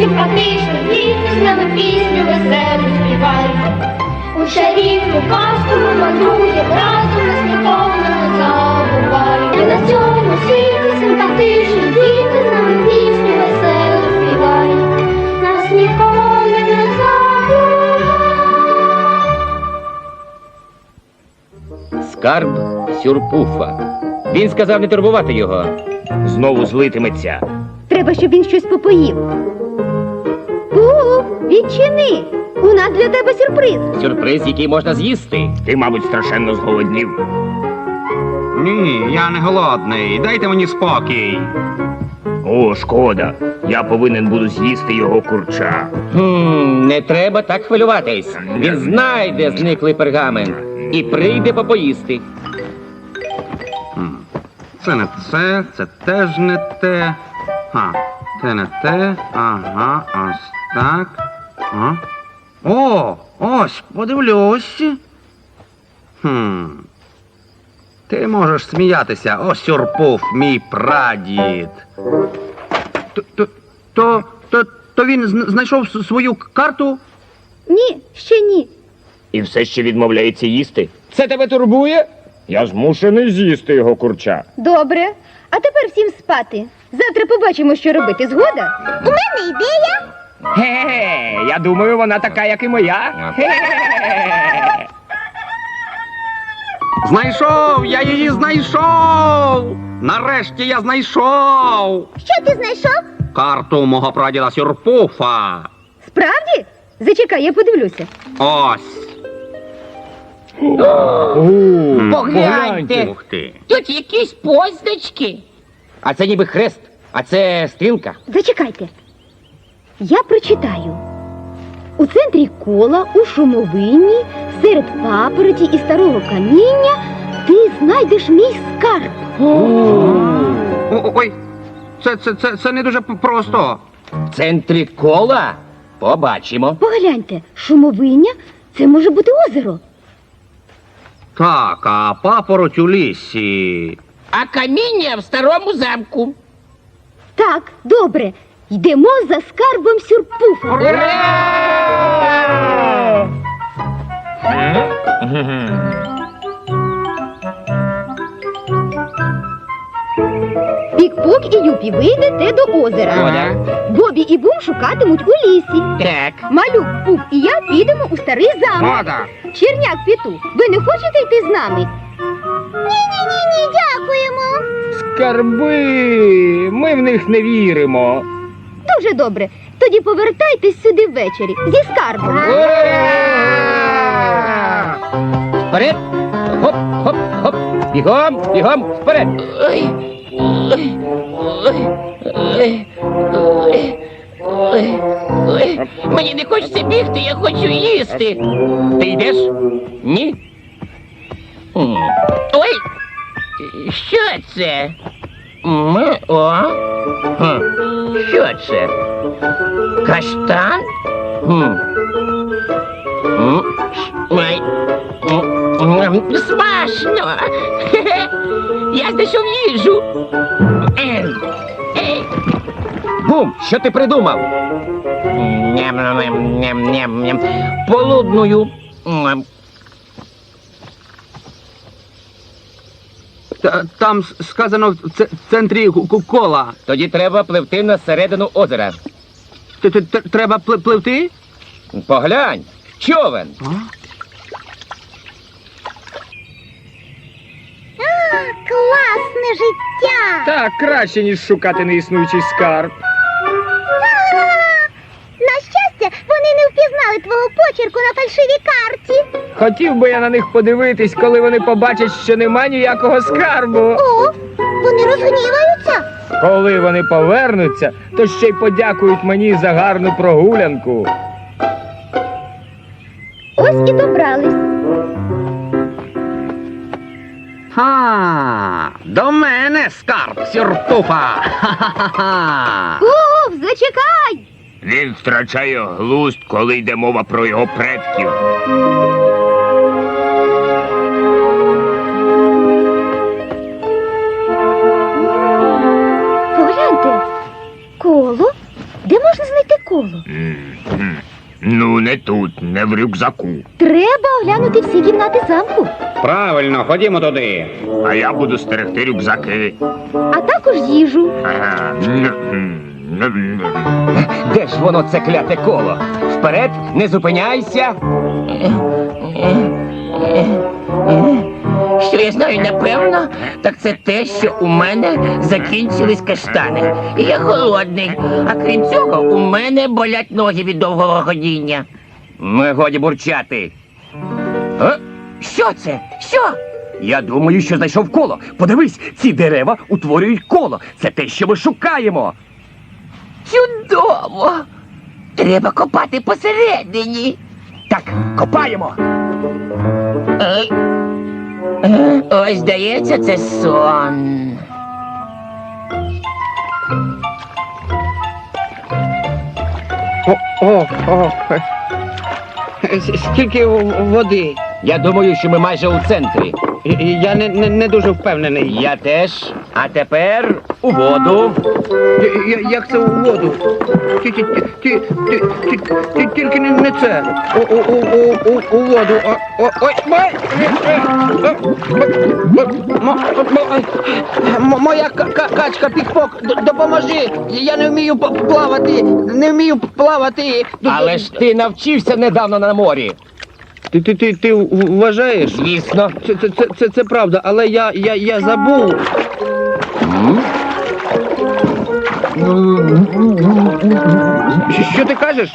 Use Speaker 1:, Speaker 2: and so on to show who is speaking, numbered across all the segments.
Speaker 1: симпатичні діти, з нами пісню веселу співають. У чарівну казку ми мандруємо, разом нас ніколи не забувають. І на цьому світі симпатичні діти, з нами пісню веселу співають. Нас ніколи не забувають.
Speaker 2: Скарб Сюрпуфа. Він сказав не турбувати його. Знову злитиметься.
Speaker 3: Треба, щоб він щось попоїв. Відчини! У нас для тебе сюрприз.
Speaker 2: Сюрприз, який можна з'їсти. Ти, мабуть, страшенно зголоднів.
Speaker 4: Ні, я не голодний. Дайте мені спокій.
Speaker 2: О, шкода. Я повинен буду з'їсти його курча. Не треба так хвилюватись. Він знайде зниклий пергамент і прийде попоїсти.
Speaker 4: Це не це теж не те. Те не те. Ага, ось так. О, ось, подивлюсь. Ти можеш сміятися, о, Сюрпуф, мій прадід. То він знайшов свою карту?
Speaker 3: Ні, ще ні.
Speaker 2: І все ще відмовляється їсти. Це тебе турбує? Я змушений з'їсти його курча.
Speaker 3: Добре. А тепер всім спати. Завтра побачимо, що робити. Згода? У мене ідея.
Speaker 2: Ге-ге, я думаю, вона така, як і моя. Ге-ге.
Speaker 4: Знайшов! Я її знайшов! Нарешті я знайшов!
Speaker 3: Що ти знайшов?
Speaker 4: Карту мого прадіда Сюрпуфа.
Speaker 3: Справді? Зачекай, я подивлюся.
Speaker 4: Ось.
Speaker 2: Погляньте.
Speaker 4: Ух ти.
Speaker 2: Тут якісь позначки. А це ніби хрест, а це стрілка.
Speaker 3: Зачекайте. Я прочитаю. У центрі кола, у шумовині, серед папороті і старого каміння ти знайдеш мій скарб.
Speaker 4: Ой, це не дуже просто.
Speaker 2: В центрі кола? Побачимо.
Speaker 3: Погляньте, шумовиня – це може бути озеро.
Speaker 4: Так, а папороть у лісі.
Speaker 2: А каміння в старому замку.
Speaker 3: Так, добре. Йдемо за скарбом Сюрпуфа. Пік-пок і Юпі, ви йдете до озера. Бобі і Бум шукатимуть у лісі.
Speaker 2: Так.
Speaker 3: Малюк, Пух і я підемо у старий замок.
Speaker 4: Мода.
Speaker 3: Черняк, Піту, ви не хочете йти з нами? Ні, дякуємо.
Speaker 2: Скарби. Ми в них не віримо.
Speaker 3: Дуже добре. Тоді повертайтесь сюди ввечері зі скарбом.
Speaker 2: Вперед! Хоп, хоп, хоп! Бігом, бігом, вперед! Мені не хочеться бігти, я хочу їсти. Ти йдеш? Ні? Ой! Що це? Що це? Каштан? Ой. Смачно! Я знайшов їжу. Бум, що ти придумав? Ням-ням-ням-ням-ням. Полудную.
Speaker 4: Там сказано в центрі кола.
Speaker 2: Тоді треба пливти на середину озера.
Speaker 4: Треба пливти?
Speaker 2: Поглянь, човен.
Speaker 3: Класне життя!
Speaker 2: Так, краще, ніж шукати неіснуючий скарб.
Speaker 3: На щастя, вони не впізнали твого почерку на фальшивій карті.
Speaker 2: Хотів би я на них подивитись, коли вони побачать, що нема ніякого скарбу.
Speaker 3: О, вони розгніваються.
Speaker 2: Коли вони повернуться, то ще й подякують мені за гарну прогулянку.
Speaker 3: Ось і добрались.
Speaker 4: До мене скарб Сюрпуфа. Ха-ха-ха.
Speaker 3: Пуф, зачекай!
Speaker 2: Він втрачає глузд, коли йде мова про його предків.
Speaker 3: Погляньте, коло? Де можна знайти коло.
Speaker 5: Ну, не тут, не в рюкзаку.
Speaker 3: Треба оглянути всі кімнати замку,
Speaker 4: Правильно, ходімо туди.
Speaker 5: А я буду стерегти рюкзаки.
Speaker 3: а також їжу.
Speaker 5: Ага.
Speaker 2: Де ж воно це кляте коло? Вперед, не зупиняйся.
Speaker 6: Що я знаю, напевно, так це те, що у мене закінчились каштани. І я голодний. А крім цього, у мене болять ноги від довгого ходіння.
Speaker 2: Ну, годі бурчати.
Speaker 6: Що це? Що?
Speaker 2: Я думаю, що знайшов коло. Подивись, ці дерева утворюють коло. Це те, що ми шукаємо.
Speaker 6: Чудово! Треба копати посередині.
Speaker 2: Так, копаємо.
Speaker 6: Ось, здається, це сон.
Speaker 7: Скільки води?
Speaker 2: Я думаю, що ми майже у центрі.
Speaker 7: Я не дуже впевнений.
Speaker 2: Я теж. А тепер у воду.
Speaker 7: Як це у воду? Тільки не це. У воду. Ой, моя качка Пікпок, допоможи. Я не вмію плавати. Не вмію плавати.
Speaker 2: Але ж ти навчився недавно на морі.
Speaker 7: Ти вважаєш?
Speaker 2: Звісно.
Speaker 7: Це правда, але я забув. Що ти кажеш?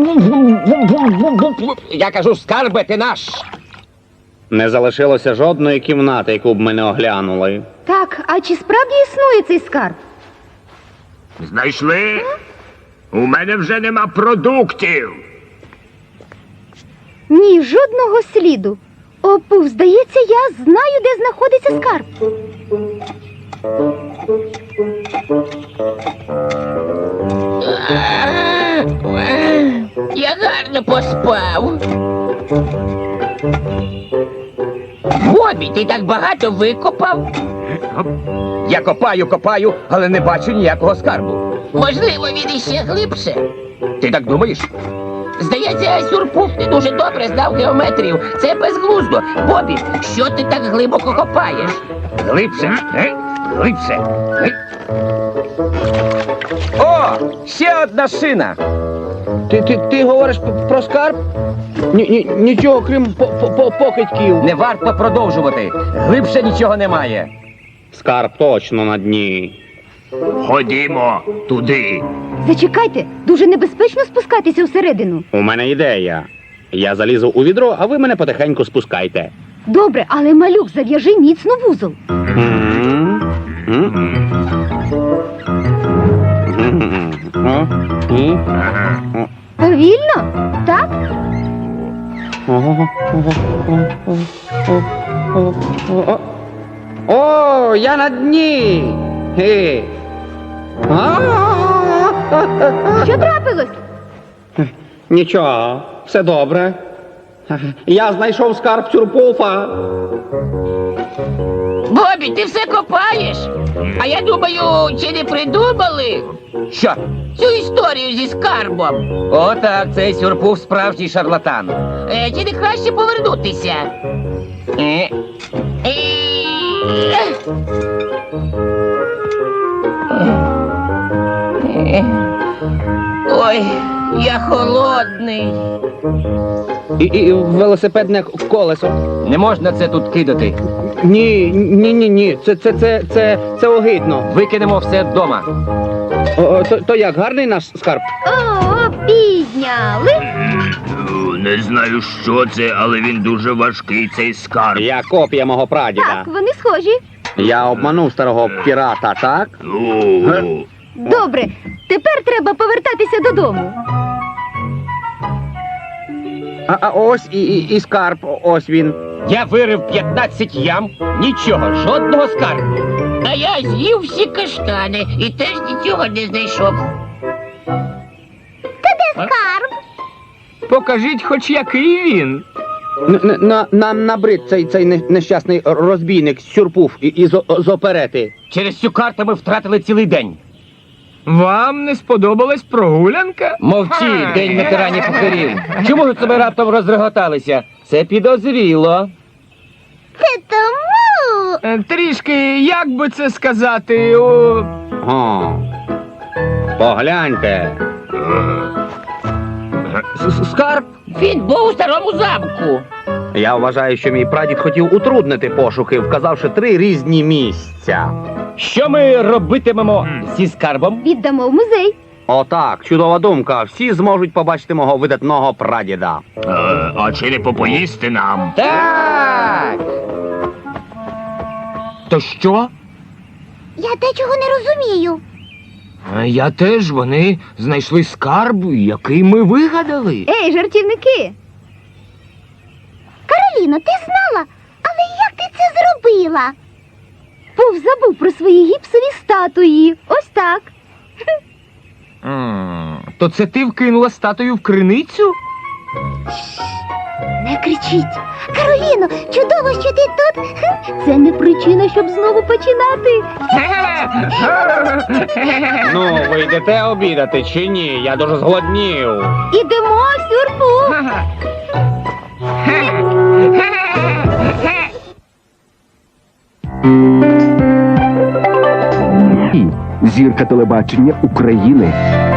Speaker 2: Я кажу, скарбе, ти наш.
Speaker 4: Не залишилося жодної кімнати, яку б ми не оглянули.
Speaker 3: Так, а чи справді існує цей скарб?
Speaker 5: Знайшли? У мене вже нема продуктів.
Speaker 3: Ні, жодного сліду. Опув, здається, я знаю, де знаходиться скарб.
Speaker 6: Я гарно поспав. Бобі, ти так багато викопав?
Speaker 2: Я копаю, але не бачу ніякого скарбу.
Speaker 6: Можливо, він іще глибше.
Speaker 2: Ти так думаєш?
Speaker 6: Здається, Сюрпуф не дуже добре знав геометрію. Це безглуздо. Бобі, що ти так глибоко копаєш?
Speaker 2: Глибше, глибше. О, ще одна шина.
Speaker 7: Ти говориш про скарб? Нічого, крім покидьків.
Speaker 2: Не варто продовжувати. Глибше нічого немає.
Speaker 4: Скарб точно на дні.
Speaker 5: Ходімо туди.
Speaker 3: Зачекайте, дуже небезпечно спускатися всередину.
Speaker 4: У мене ідея. Я залізу у відро, а ви мене потихеньку спускайте.
Speaker 3: Добре, але малюк, зав'яжи міцно вузол. Повільно? Так?
Speaker 7: О, я на дні.
Speaker 3: Що трапилось?
Speaker 7: Нічого, все добре. Я знайшов скарб Сюрпуфа.
Speaker 6: Бобі, ти все копаєш? А я думаю, чи не придумали
Speaker 2: Що?
Speaker 6: цю історію зі скарбом?
Speaker 2: О, так, цей Сюрпуф справжній шарлатан.
Speaker 6: Чи не краще повернутися?
Speaker 2: Е,
Speaker 6: Ой, я холодний.
Speaker 7: І велосипедне колесо.
Speaker 2: Не можна це тут кидати.
Speaker 7: Ні. Це огидно.
Speaker 2: Викинемо все вдома.
Speaker 7: То як, гарний наш скарб?
Speaker 3: О, підняли.
Speaker 5: Не знаю, що це, але він дуже важкий, цей скарб.
Speaker 4: Я копія мого прадіда.
Speaker 3: Так, вони схожі.
Speaker 4: Я обманув старого пірата, так?
Speaker 5: О,
Speaker 3: Добре, тепер треба повертатися додому.
Speaker 7: А ось і скарб, ось він.
Speaker 2: Я вирив 15 ям, нічого, жодного скарбу.
Speaker 6: А я з'їв всі каштани і теж нічого не знайшов.
Speaker 7: Покажіть хоч який він. Нам набрид цей нещасний розбійник Сюрпуф із оперети.
Speaker 2: Через цю карту ми втратили цілий день.
Speaker 8: Вам не сподобалась прогулянка?
Speaker 2: Мовчи, день ветеранів покорів. Чому ж себе раптом розреготалися? Це підозріло.
Speaker 1: Це тому.
Speaker 8: Трішки, як би це сказати, о...
Speaker 4: О, погляньте.
Speaker 2: Скарб?
Speaker 6: Він був у старому замку.
Speaker 4: Я вважаю, що мій прадід хотів утруднити пошуки, вказавши 3 різні місця.
Speaker 2: Що ми робитимемо зі скарбом?
Speaker 3: Віддамо в музей.
Speaker 4: Отак, чудова думка. Всі зможуть побачити мого видатного прадіда.
Speaker 5: А чи не попоїсти нам?
Speaker 2: Так!
Speaker 8: То що?
Speaker 1: Я дечого не розумію.
Speaker 8: Я теж, вони знайшли скарб, який ми вигадали.
Speaker 3: Ей, жартівники!
Speaker 1: Кароліно, ти знала? Але як ти це зробила?
Speaker 3: Пуф забув про свої гіпсові статуї. Ось так.
Speaker 8: То це ти вкинула статую в криницю?
Speaker 3: Не кричіть.
Speaker 1: Кароліно, чудово, що ти тут.
Speaker 3: Це не причина, щоб знову починати.
Speaker 4: Ну, ви йдете обідати чи ні? Я дуже зголоднів.
Speaker 3: Ідемо, сюрпу.
Speaker 9: Зірка телебачення України.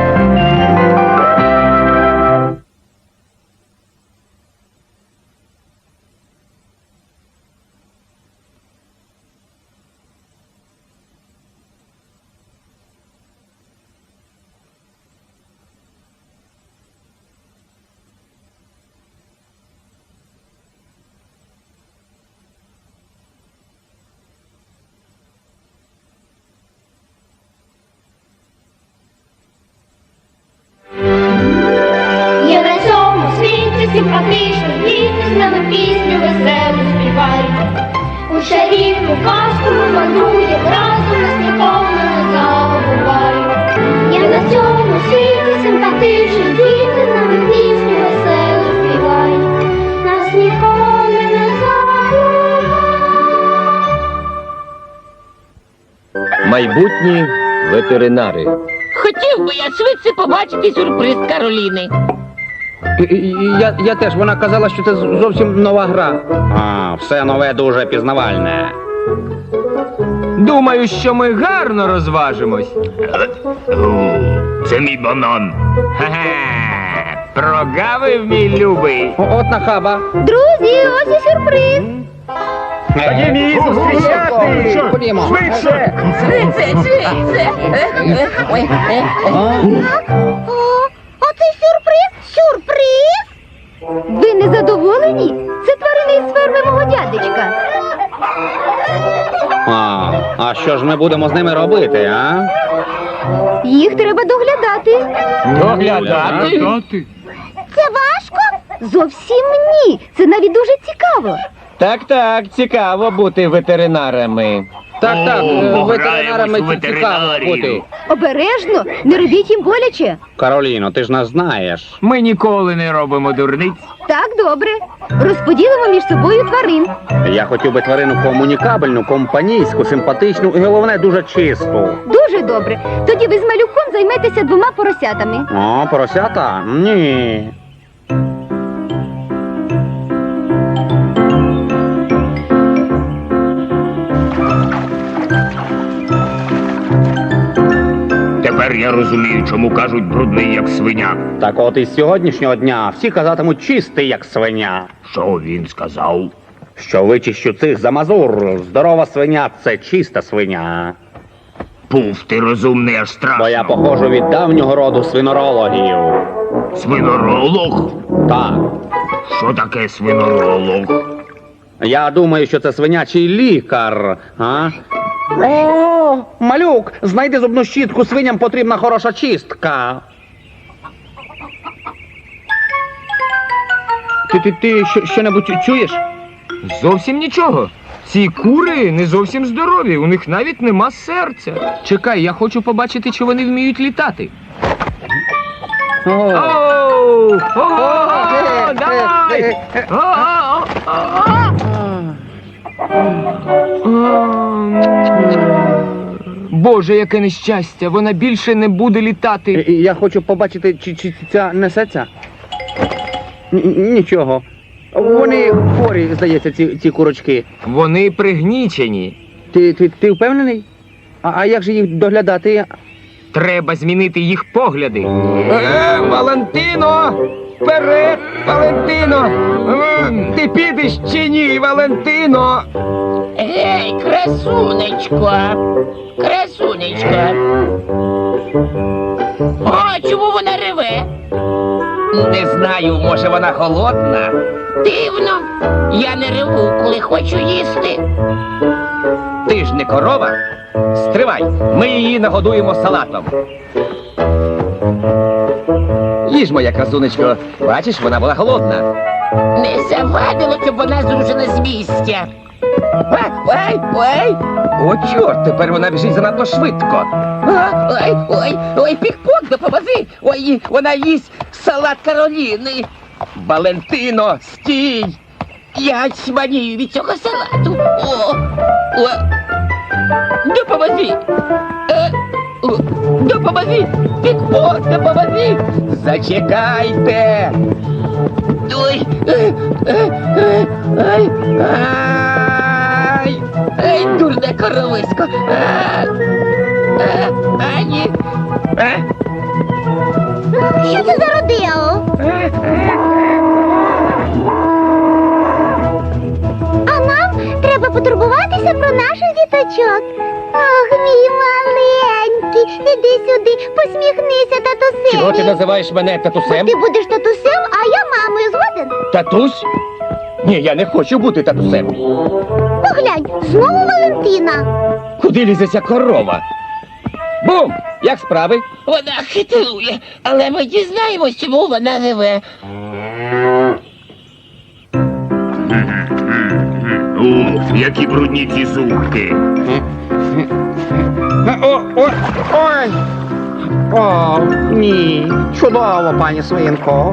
Speaker 1: Є на цьому світі симпатичні діти, з нами пісню веселу співають. У чарівну казку ми мандруємо, разом нас ніколи не забувають. Є на цьому світі симпатичні діти, з нами пісню веселу співають. Нас ніколи не забувають.
Speaker 2: Майбутні ветеринари.
Speaker 6: Хотів би я швидше побачити сюрприз Кароліни.
Speaker 7: Я теж, вона казала, що це зовсім нова гра.
Speaker 4: А, все нове дуже пізнавальне.
Speaker 8: Думаю, що ми гарно розважимось.
Speaker 5: Це мій банан.
Speaker 8: Ха-ха! Прогавив, мій любий.
Speaker 7: От нахаба.
Speaker 3: Друзі, ось і сюрприз.
Speaker 7: Ходімо.
Speaker 6: Швидше! Ой,
Speaker 1: Оце сюрприз! Сюрприз!
Speaker 3: Ви не задоволені? Це тварини із ферми мого дядечка.
Speaker 4: А що ж ми будемо з ними робити, а?
Speaker 3: Їх треба доглядати.
Speaker 8: Доглядати?
Speaker 1: Це важко?
Speaker 3: Зовсім ні. Це навіть дуже цікаво.
Speaker 2: Так, цікаво бути ветеринарами.
Speaker 7: Так,
Speaker 5: О,
Speaker 7: ветеринарами
Speaker 5: пограємось у
Speaker 7: цікаво
Speaker 5: ветеринарів.
Speaker 7: бути.
Speaker 3: Обережно, не робіть їм боляче.
Speaker 4: Кароліно, ти ж нас знаєш.
Speaker 8: Ми ніколи не робимо дурниць.
Speaker 3: Так, добре. Розподілимо між собою тварин.
Speaker 4: Я хотів би тварину комунікабельну, компанійську, симпатичну і, головне, дуже чисту.
Speaker 3: Дуже добре. Тоді ви з малюком займетеся 2 поросятами.
Speaker 4: О, поросята? Ні.
Speaker 5: Тепер я розумію, чому кажуть брудний, як свиня.
Speaker 4: Так от із сьогоднішнього дня всі казатимуть чистий, як свиня.
Speaker 5: Що він сказав?
Speaker 4: Що вичищу цих за мазур. Здорова свиня – це чиста свиня.
Speaker 5: Пуф, ти розумний, аж страшно.
Speaker 4: Бо я походжу від давнього роду свинорологів.
Speaker 5: Свиноролог?
Speaker 4: Так.
Speaker 5: Що таке свиноролог?
Speaker 4: Я думаю, що це свинячий лікар. А? О, малюк, знайди зубну щітку, свиням потрібна хороша чистка.
Speaker 7: Ти що-небудь чуєш?
Speaker 8: Зовсім нічого. Ці кури не зовсім здорові, у них навіть нема серця. Чекай, я хочу побачити, чи вони вміють літати. Оу! Ого! Давай! Боже, яке нещастя! Вона більше не буде літати.
Speaker 4: Я хочу побачити, чи ця несеться. Нічого. Вони хворі, здається, ці курочки.
Speaker 8: Вони пригнічені.
Speaker 4: Ти впевнений? А як же їх доглядати?
Speaker 8: Треба змінити їх погляди. Валентино! Вперед, Валентино! Ти підеш чи ні, Валентино?
Speaker 6: Гей, красунечко! Красунечко! О, чому вона реве?
Speaker 2: Не знаю, може вона голодна?
Speaker 6: Дивно. Я не реву, коли хочу їсти.
Speaker 2: Ти ж не корова. Стривай, ми її нагодуємо салатом. Їж, моя красунечко. Бачиш, вона була голодна.
Speaker 6: Не завадило, щоб вона зрушена з місця.
Speaker 2: Ой! О, чорт, тепер вона біжить занадто швидко.
Speaker 6: Ой, пік-пок, допоможи. Ой, вона їсть салат Кароліни.
Speaker 2: Валентино, стій!
Speaker 6: Я чманію від цього салату. О, допоможи. Допоможи. Пік-пок, допоможи.
Speaker 2: Зачекайте!
Speaker 6: Ой, ай, дурне коровисько. Ані.
Speaker 1: Що це за родео? А нам треба потурбуватися про наших діточок. Ох, мій маленький, іди сюди, посміхнися, татусеві.
Speaker 2: Чого ти називаєш мене татусем?
Speaker 1: Ти будеш татусем, а я мамою, згоден?
Speaker 2: Татусь? Ні, я не хочу бути татусем.
Speaker 1: Поглянь, знову Валентина.
Speaker 2: Куди лізе ця корова? Бум! Як справи?
Speaker 6: Вона хитрує, але ми дізнаємось, чому вона реве.
Speaker 5: Ух, які брудні ці зубки.
Speaker 4: Ой! О, ні. Чудово, пані свинко.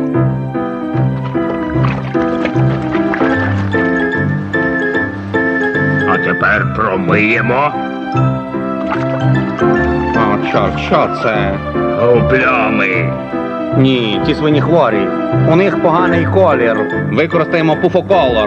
Speaker 5: А тепер промиємо.
Speaker 4: О, що це?
Speaker 5: О, плями.
Speaker 4: Ні, ці свині хворі. У них поганий колір. Використаємо пуфоколор.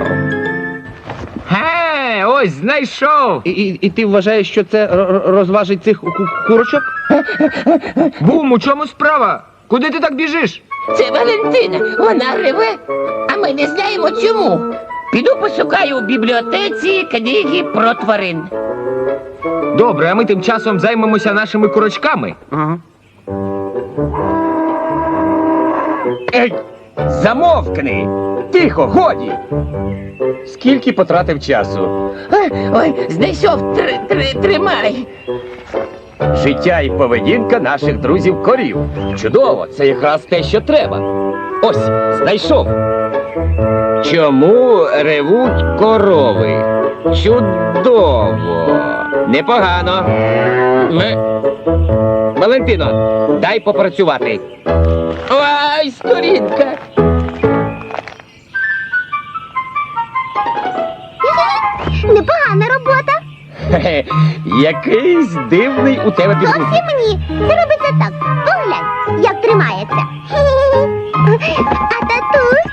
Speaker 8: Ось, знайшов!
Speaker 4: І ти вважаєш, що це розважить цих курочок?
Speaker 8: Бум, у чому справа? Куди ти так біжиш?
Speaker 6: Це Валентина, вона реве, а ми не знаємо чому. Піду пошукаю у бібліотеці книги про тварин.
Speaker 8: Добре, а ми тим часом займемося нашими курочками.
Speaker 4: Ага.
Speaker 2: Ей! Замовкни! Тихо, годі! Скільки потратив часу?
Speaker 6: Ой, знайшов, тримай.
Speaker 2: Життя і поведінка наших друзів-корів. Чудово, це якраз те, що треба. Ось, знайшов. Чому ревуть корови? Чудово. Непогано. Валентино, дай попрацювати.
Speaker 6: Ой, сторінка.
Speaker 1: Непогана робота.
Speaker 2: Хе-хе, якийсь дивний у тебе підгузок.
Speaker 1: Зовсім ні. Це робиться так. Поглянь, як тримається. А татусь?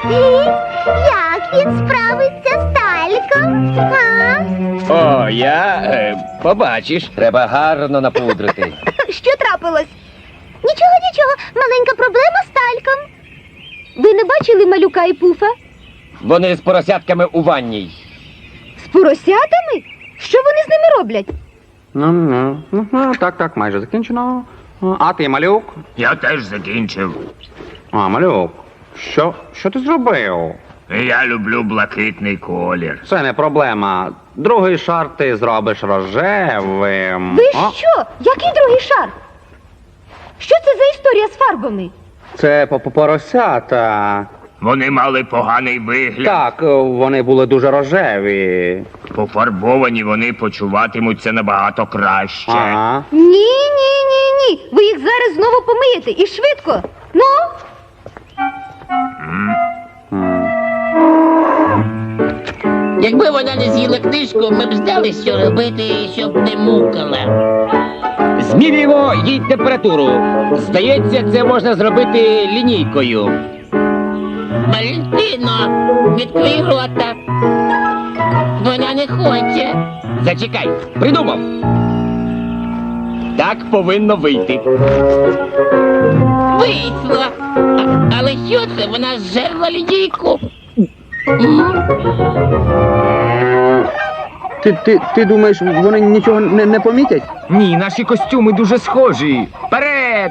Speaker 1: Як він справиться з тальком? А?
Speaker 2: О, побачиш, треба гарно напудрити.
Speaker 1: Що трапилось? Нічого, маленька проблема з тальком.
Speaker 3: Ви не бачили малюка і пуфа?
Speaker 2: Вони з поросятками у ванній.
Speaker 3: З поросятами? Що вони з ними роблять?
Speaker 4: Так, майже закінчено. А ти, малюк?
Speaker 5: Я теж закінчив.
Speaker 4: А, малюк, що ти зробив?
Speaker 5: Я люблю блакитний колір.
Speaker 4: Це не проблема. Другий шар ти зробиш рожевим.
Speaker 3: Ви що? Який другий шар? Що це за історія з фарбами?
Speaker 4: Це поросята.
Speaker 5: Вони мали поганий вигляд.
Speaker 4: Так, вони були дуже рожеві.
Speaker 5: Пофарбовані вони почуватимуться набагато краще.
Speaker 4: Ага.
Speaker 3: Ні. Ви їх зараз знову помиєте і швидко. Ну?
Speaker 6: Якби вона не з'їла книжку, ми б знали, що робити, щоб не мукала.
Speaker 2: Змірюємо їй температуру. Здається, це можна зробити лінійкою.
Speaker 6: Валентино, відкрий рота. Вона не хоче.
Speaker 2: Зачекай, придумав. Так повинно вийти.
Speaker 6: Вийшло. Але що це? Вона зжерла лінійку.
Speaker 7: Ти думаєш, вони нічого не помітять?
Speaker 8: Ні, наші костюми дуже схожі. Вперед!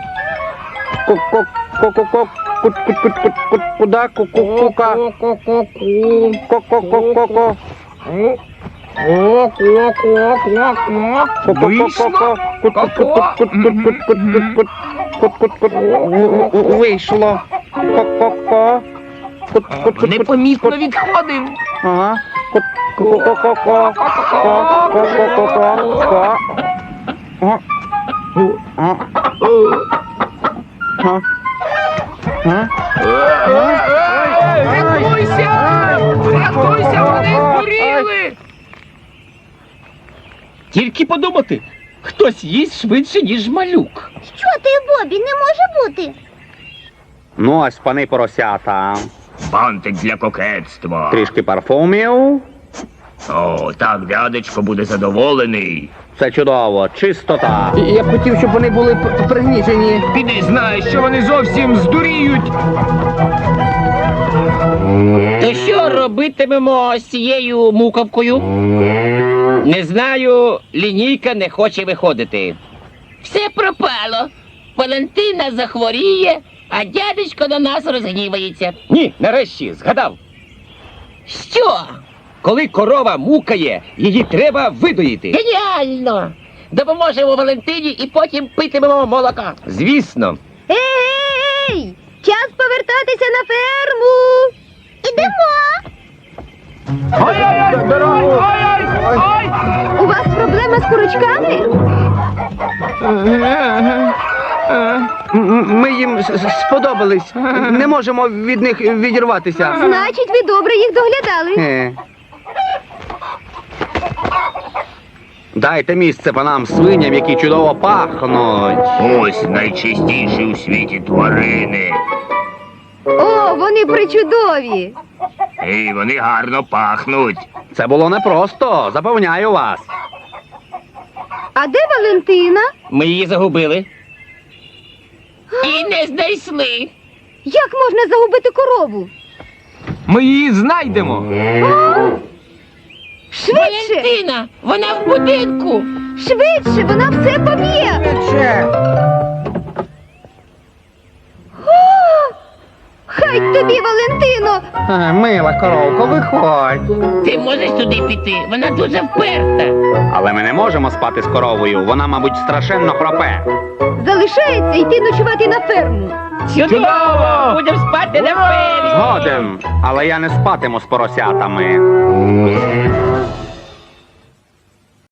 Speaker 7: Куда? Кука. Ко.
Speaker 8: Вийшло?
Speaker 7: Вийшло.
Speaker 8: Непомітно відходимо.
Speaker 7: Ага.
Speaker 8: Рятуйся! Рятуйся, вони згоріли!
Speaker 2: Тільки подумати, хтось їсть швидше, ніж малюк.
Speaker 1: Що ти, Бобі, не може бути?
Speaker 4: Ну, ось пани поросята.
Speaker 5: Бантик для кокетства.
Speaker 4: Трішки парфумів.
Speaker 5: О, так дядечко буде задоволений.
Speaker 4: Все чудово, чистота.
Speaker 7: Я б хотів, щоб вони були пригнічені.
Speaker 8: Піди знаєш, що вони зовсім здуріють.
Speaker 6: То що робитимемо з цією мукавкою?
Speaker 2: Не знаю, лінійка не хоче виходити.
Speaker 6: Все пропало. Валентина захворіє, а дядечко на нас розгнівається.
Speaker 2: Ні, нарешті, згадав.
Speaker 6: Що?
Speaker 2: Коли корова мукає, її треба видоїти.
Speaker 6: Геніально! Допоможемо Валентині і потім питимемо молока.
Speaker 2: Звісно.
Speaker 3: Ей! Час повертатися на ферму!
Speaker 1: Ідемо!
Speaker 3: У вас проблема з курочками?
Speaker 7: Ми їм сподобались. Не можемо від них відірватися.
Speaker 3: Значить, ви добре їх доглядали.
Speaker 4: Дайте місце панам свиням, які чудово пахнуть.
Speaker 5: Ось найчистіші у світі тварини.
Speaker 3: О, вони причудові!
Speaker 5: І вони гарно пахнуть.
Speaker 4: Це було непросто, запевняю вас.
Speaker 3: А де Валентина?
Speaker 2: Ми її загубили.
Speaker 6: І не знайшли.
Speaker 3: Як можна загубити корову?
Speaker 8: Ми її знайдемо.
Speaker 3: Швидше!
Speaker 6: Валентина, вона в будинку.
Speaker 3: Швидше, вона все поб'є! О, хай тобі, Валентино!
Speaker 4: Мила коровко, виходь.
Speaker 6: Ти можеш туди піти, вона дуже вперта.
Speaker 4: Але ми не можемо спати з коровою, вона, мабуть, страшенно хропе.
Speaker 3: Залишається йти ночувати на ферму.
Speaker 6: Чудово! Будемо спати на фермі.
Speaker 4: Згоден, але я не спатиму з поросятами.